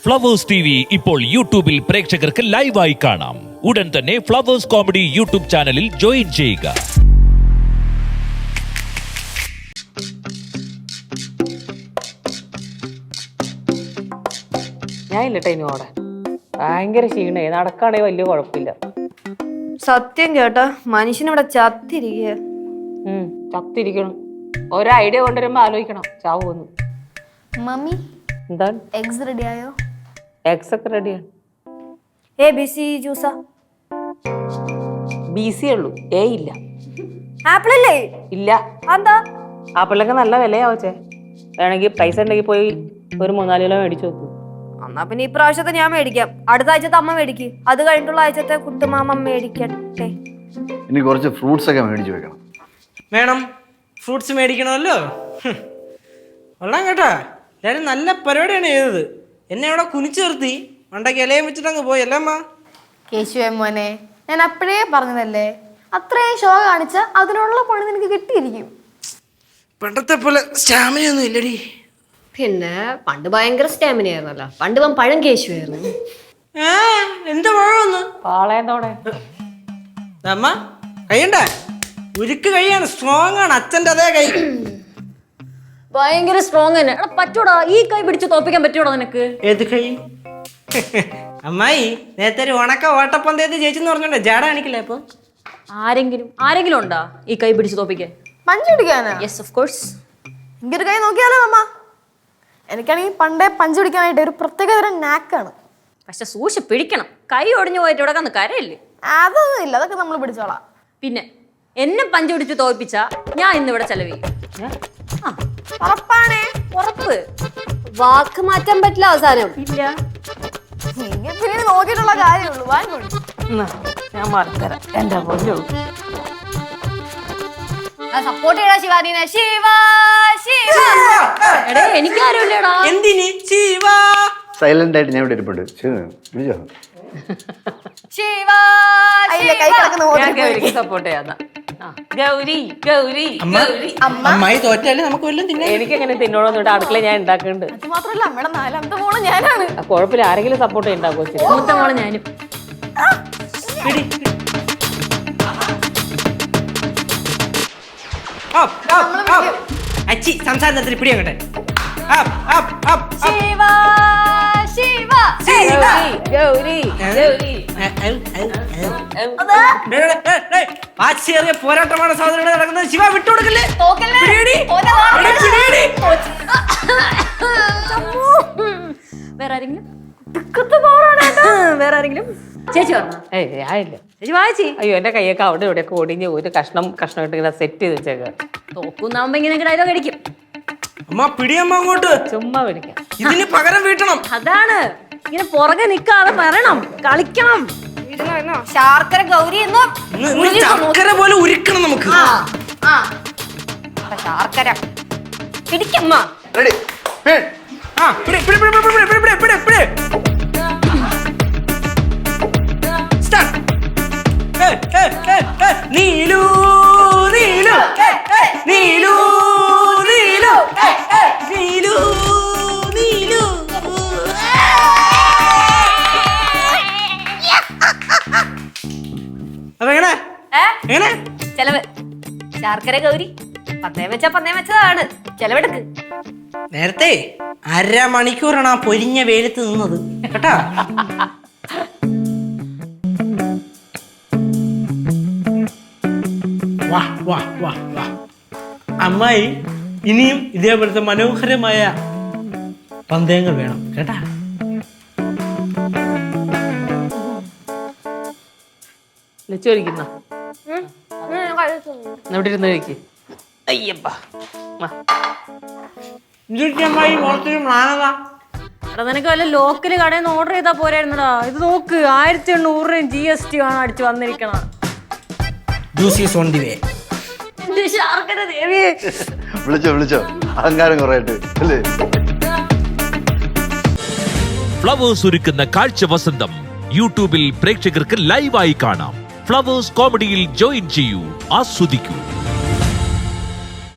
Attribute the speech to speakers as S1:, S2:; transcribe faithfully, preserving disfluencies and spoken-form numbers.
S1: Flowers T V ഇപ്പോൾ യൂട്യൂബിൽ പ്രേക്ഷകർക്ക് ലൈവായി കാണാം. ഉടൻ തന്നെ ഫ്ലവേഴ്സ് കോമഡി യൂട്യൂബ് ചാനലിൽ ജോയിൻ ചെയ്യുക.
S2: ഞാൻ ഇല്ലട്ടെ ഇനോടെ ഭയങ്കര ക്ഷീണേ, നടക്കാണെങ്കിൽ വലിയ കുഴപ്പമില്ല.
S3: സത്യം കേട്ടോ, മനുഷ്യനിവിടെ ചത്തിരിക്കുക.
S2: ഉം ചത്തിരിക്കണം. ഓരോ ഐഡിയ കൊണ്ടുവരുമ്പോ ആലോചിക്കണം ചാവൂന്ന്.
S3: മമ്മി
S2: എന്താണ്
S3: എഗ്സ് റെഡി ആയോ?
S2: എഗ്സ് ഒക്കെ റെഡിയാണ്.
S3: എ ബി സി ജ്യൂസാ?
S2: ബി സി ഉള്ളൂ, ഏ ഇല്ല.
S3: ആപ്പിൾ അല്ലേ?
S2: ഇല്ല.
S3: എന്താ?
S2: ആപ്പിളിനൊക്കെ നല്ല വിലയാവച്ചേ. വേണമെങ്കിൽ പൈസ ഉണ്ടെങ്കിൽ പോയി ഒരു മൂന്നാല് കിലോ മേടിച്ചു നോക്കൂ.
S3: എന്നാ പിന്നെ ഈ പ്രാവശ്യത്തെ ഞാൻ മേടിക്കാം. അടുത്ത ആഴ്ചത്തെ അമ്മ മേടിക്ക്. അത് കഴിഞ്ഞിട്ടുള്ള ആഴ്ചത്തെ കുട്ടുമാമ മേടിക്കട്ടെ.
S4: ഇനി കുറച്ച് ഫ്രൂട്ട്സ് ഒക്കെ മേടിച്ചു വെക്കണം.
S5: വേണം, ഫ്രൂട്ട്സ് മേടിക്കണമല്ലോ. കൊള്ളാം കേട്ടാ, എല്ലാവരും നല്ല പരിപാടിയാണ് ചെയ്തത്. എന്നെ അവിടെ കുനിച്ചു നിർത്തി മണ്ടയ്ക്ക് ഇലയും വെച്ചിട്ട് അങ്ങ് പോയി അല്ലേ അമ്മ?
S3: കേശുവേ മോനെ, ഞാൻ അപ്പോഴേ പറഞ്ഞതല്ലേ, അത്രയും ഷോ കാണിച്ച അതിനുള്ള പണി നിനക്ക് കിട്ടിയിരിക്കും.
S5: പണ്ടത്തെ പോലെ സ്റ്റാമിനയൊന്നും ഇല്ലടി.
S6: പിന്നെ പണ്ട് ഭയങ്കര സ്റ്റാമിന ആയിരുന്നല്ലോ. പണ്ട് ഇവൻ പഴം കേശുവായിരുന്നു.
S5: ഏ എന്താ പഴമൊന്ന്
S2: പാളയത്തോടെ
S5: അമ്മ കൈയുണ്ടേ? ഉരുക്ക് കൈയാണ്, സ്ട്രോങ് ആണ്. അച്ഛൻ്റെ അതേ കൈ
S6: ഭയങ്കര സ്ട്രോങ് തന്നെ. എടാ പറ്റൂടാ, ഈ കൈ പിടിച്ച് തോപ്പിക്കാൻ പറ്റൂടാ നിനക്ക്?
S5: ഏത് കൈ? അമ്മായി നേരത്തെ ഒരു ഉണക്ക ഓട്ടപ്പന്തയത്ത് ജയിച്ചെന്ന് പറഞ്ഞോണ്ടേ ജാട കാണിക്കില്ല. അപ്പൊ
S6: ആരെങ്കിലും ആരെങ്കിലും ഉണ്ടാ ഈ കൈ പിടിച്ച് തോപ്പിക്കാൻ?
S3: പഞ്ച് പിടിക്കാനാ?
S6: Yes of course.
S3: എനിക്കൊരു കൈ നോക്കിയാലോ അമ്മ? എനിക്കാണെങ്കിൽ പണ്ടേ പഞ്ച് പിടിക്കാനായിട്ട് ഒരു പ്രത്യേകതരം നാക്കാണ്.
S6: പക്ഷെ സൂക്ഷിച്ച് പിടിക്കണം. കൈ ഒടിഞ്ഞു പോയിട്ട് ഇവിടെ കന്ന് കരയില്ലേ?
S3: അതൊന്നും ഇല്ല, അതൊക്കെ നമ്മൾ പിടിച്ചോളാം.
S6: പിന്നെ എന്നെ പഞ്ച് പിടിച്ച് തോൽപ്പിച്ച ഞാൻ ഇന്നിവിടെ ചെലവ് ചെയ്യും.
S3: ഉറപ്പാണേ?
S6: ഉറപ്പ്. വാക്ക് മാറ്റാൻ പറ്റില്ല അവസാനം.
S3: ഇല്ല, നിങ്ങൾ പിന്നെ നോക്കിയിട്ടുള്ള കാര്യമുള്ളൂ. വാങ്ങോളൂ.
S2: ഞാൻ മറത്തരാം എന്റെ പൊന്നു.
S3: സപ്പോർട്ട് ചെയ്യടാ ശിവാനീനെ. ശിവ ശിവ.
S6: എടേ എനിക്കാരുമില്ലടാ.
S5: എന്തിന് ശിവാ?
S4: സൈലന്റ് ആയിട്ട് ഞാൻ ഇവിടെ ഇരിപ്പുണ്ട്. വിളിച്ചോ?
S3: ശിവ കൈ കിടക്കുന്ന
S2: സപ്പോർട്ട് ചെയ്യാന്ന ഗൗരി ഗൗരി ഗൗരി.
S5: അമ്മായി തോറ്റാലും നമുക്ക് വല്ലതും തിന്നാം.
S2: എനിക്കെങ്ങനെ തിന്നോളൊന്നും അടുക്കള ഞാൻ ഉണ്ടാക്കുന്നുണ്ട്.
S3: അത് മാത്രല്ല, അമ്മയുടെ നാലാമത്തെ മോള് ഞാനാണ്.
S2: കുഴപ്പമില്ല, ആരെങ്കിലും സപ്പോർട്ട് ചെയ്യുണ്ടാക്കോ?
S6: മൂത്ത മോളെ ഞാനും.
S5: പിടി. Up, up, up. അച്ചി സംസാരത്തിന് പിടി അങ്ങട്ടെ. Up, up, up, up.
S3: Shiva Shiva.
S5: Shiva.
S2: Gauri Gauri.
S5: ഏ, ഏ, ഏ, ഏ. ഡേ, ഡേ, ഡേ, ഡേ. വാശിയേറിയ പോരാട്ടമാണ് സഹോദരൻ നടക്കുന്നത്. ശിവ വിട്ടുകൊടുക്കല്ലേ?
S3: തോക്കല്ലേ?
S5: പിടിയെടി.
S3: തോറ്റ വാ.
S5: എടി, പിടിയെടി.
S6: വേറെ ആരെങ്കിലും?
S3: തിക്കത്ത് പോറാണ് കേട്ടോ.
S6: വേറെ ആരെങ്കിലും? ചേച്ചി പറഞ്ഞ
S2: ഏയ് ആയില്ല.
S6: ചേച്ചി വായിച്ചി.
S2: അയ്യോ, എന്റെ കൈയൊക്കെ അവിടെ ഇവിടെയൊക്കെ ഒടിഞ്ഞ് ഒരു കഷ്ണം കഷ്ണമായിട്ട് ഇങ്ങനെ സെറ്റ് ചെയ്ത് വെച്ചേക്ക.
S6: തോക്കുന്നാവുമ്പോ ഇങ്ങനെ ഡയലോഗ് അടിക്കും.
S5: അമ്മ പിടിയമ്മ അങ്ങോട്ട്.
S2: ചുമ്മാ പിടിക്കാം.
S5: ഇതിന് പകരം വീട്ടണം.
S6: അതാണ്, ഇങ്ങനെ പുറകെ നിക്കാതെ വരണം, കളിക്കണം.
S3: ശാർക്കര ഗൗരി എന്നും
S5: ഇന്ന് ഇന്ന് ചക്കര പോലെ ഉരുക്കണം നമുക്ക്.
S3: ശാർക്കര പിടിക്കമ്മ.
S4: റെഡി.
S5: ആ, പിടി, പിടി, പിടി, പിടി, പിടി, പിടി, പിടി, പിടി. Start. ഏയ്, ഏയ്, ഏയ്, ഏയ്. നീലു നീലു ഏയ്, ഏയ്. നീലു നീലു ഏയ്, ഏയ്. നീലു നീലു. അപ്പൊ എങ്ങനെ എങ്ങനെ
S3: ചെലവ് ശാർക്കര ഗൗരി പന്നയം വെച്ചാ പന്നയം വെച്ചതാണ്. ചെലവെടുക്ക്.
S5: നേരത്തെ അര മണിക്കൂറാണ് ആ പൊരിഞ്ഞ വെയിലത്ത് നിന്നത് കേട്ടാ. വാ വാ വാ വാ. അമ്മായി ഇനിയും ഇതേപോലത്തെ മനോഹരമായ പന്തയങ്ങൾ വേണം കേട്ടാ.
S2: ലച്ചോരിക്കുന്ന ഇവിടെ ഇരുന്ന് കഴിക്ക്. അയ്യപ്പാ.
S5: അമ്മായി ഓർത്തിരി മാനതാ.
S6: എടാ നിനക്ക് വല്ല ലോക്കല് കടയിൽ നിന്ന് ഓർഡർ ചെയ്താൽ പോരായിരുന്നടാ. ഇത് നോക്ക്, ആയിരത്തി എണ്ണൂറ് ജി എസ് ടി ആണ് അടിച്ചു വന്നിരിക്കണ.
S5: ജ്യൂസീസ് ഓൺ ദി വേ.
S6: ശാർക്കര ദേവി.
S4: വിളിച്ചോ വിളിച്ചോ അഹങ്കാരം കുറയായിട്ട് അല്ലേ?
S1: ഫ്ലവേഴ്സ് ഒരുക്കുന്ന കാഴ്ച വസന്തം യൂട്യൂബിൽ പ്രേക്ഷകർക്ക് ലൈവായി കാണാം. ഫ്ലവേഴ്സ് കോമഡിയിൽ ജോയിൻ ചെയ്യൂ, ആസ്വദിക്കൂ.